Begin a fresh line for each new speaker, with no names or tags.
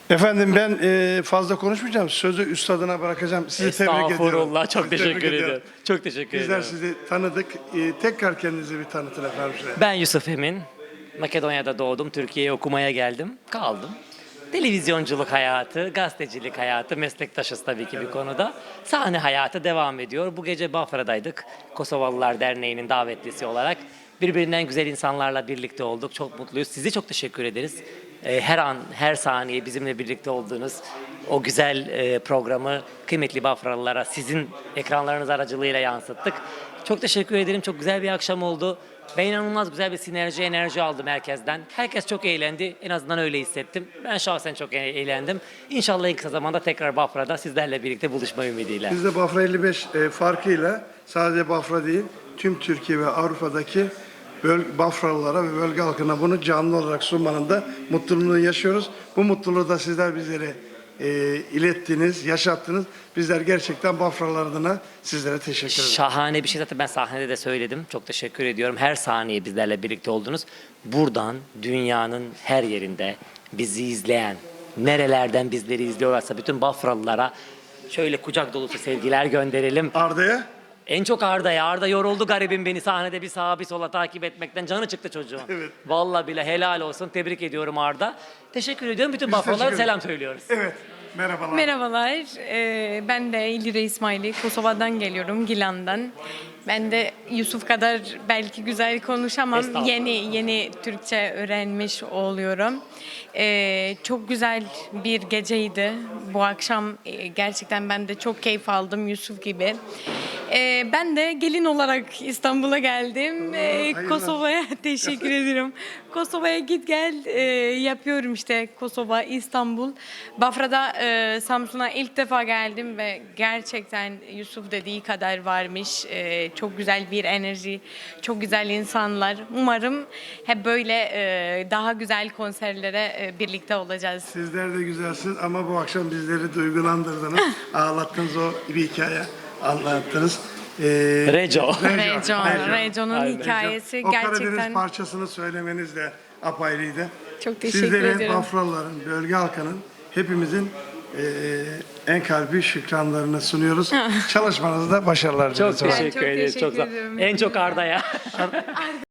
Efendim ben fazla konuşmayacağım. Sözü üstadına bırakacağım. Sizi tebrik ediyorum.
Estağfurullah. Çok
Sizi
teşekkür
tebrik
ediyorum. Çok teşekkür
Bizler
ediyorum.
sizi tanıdık. Tekrar kendinizi bir tanıtın efendim size.
Ben Yusuf Emin. Makedonya'da doğdum. Türkiye'ye okumaya geldim. Kaldım. Televizyonculuk hayatı, gazetecilik hayatı, meslektaşız tabii ki bir konuda. Sahne hayatı devam ediyor. Bu gece Bafra'daydık. Kosovalılar Derneği'nin davetlisi olarak. Birbirinden güzel insanlarla birlikte olduk. Çok mutluyuz. Size çok teşekkür ederiz. Her an, her saniye bizimle birlikte olduğunuz o güzel programı kıymetli Bafralılara sizin ekranlarınız aracılığıyla yansıttık. Çok teşekkür ederim. Çok güzel bir akşam oldu. Ben inanılmaz güzel bir sinerji, enerji aldım herkesten. Herkes çok eğlendi. En azından öyle hissettim. Ben şahsen çok eğlendim. İnşallah en kısa zamanda tekrar Bafra'da sizlerle birlikte buluşma ümidiyle.
Biz de Bafra 55 farkıyla sadece Bafra değil, tüm Türkiye ve Avrupa'daki Bafralılara ve bölge halkına bunu canlı olarak sunmanın da mutluluğunu yaşıyoruz. Bu mutluluğu da sizler bizlere ilettiniz, yaşattınız. Bizler gerçekten Bafralılar adına sizlere teşekkür ederiz.
Şahane bir şey, zaten ben sahnede de söyledim. Çok teşekkür ediyorum. Her saniye bizlerle birlikte oldunuz. Buradan dünyanın her yerinde bizi izleyen, nerelerden bizleri izliyorlarsa bütün Bafralılara şöyle kucak dolusu sevgiler gönderelim.
Arda'ya?
En çok Arda'ya. Arda yoruldu garibim, beni sahnede bir sağa bir sola takip etmekten. Canı çıktı çocuğun.
Evet.
Vallahi bile helal olsun. Tebrik ediyorum Arda. Teşekkür ediyorum. Bütün
Biz
Bafralılara
teşekkür
selam söylüyoruz.
Evet. Merhabalar.
Merhabalar, ben de İlire İsmaili, Kosova'dan geliyorum, Gilan'dan. Ben de Yusuf kadar belki güzel konuşamam,
Estağfurullah.
yeni Türkçe öğrenmiş oluyorum. Çok güzel bir geceydi bu akşam, gerçekten ben de çok keyif aldım Yusuf gibi. Ben de gelin olarak İstanbul'a geldim. Kosova'ya teşekkür ediyorum. Kosova'ya git gel yapıyorum işte, Kosova, İstanbul. Bafra'da Samsun'a ilk defa geldim ve gerçekten Yusuf dediği kadar varmış. Çok güzel bir enerji, çok güzel insanlar. Umarım hep böyle daha güzel konserlere birlikte olacağız.
Sizler de güzelsiniz ama bu akşam bizleri duygulandırdınız. Ağlattınız, o bir hikaye anlattınız.
Reco.
Reco'nun
Aynen.
hikayesi
O Karadeniz
gerçekten
parçasını söylemeniz de apayrıydı.
çok teşekkür
Sizlerin,
ederim.
Bafralıların, bölge halkının, hepimizin en kalbi şükranlarını sunuyoruz. Çalışmanızda başarılar
Çok
diliyoruz.
teşekkür ederiz.
teşekkür
Çok sağ-
ederim.
En çok Arda'ya.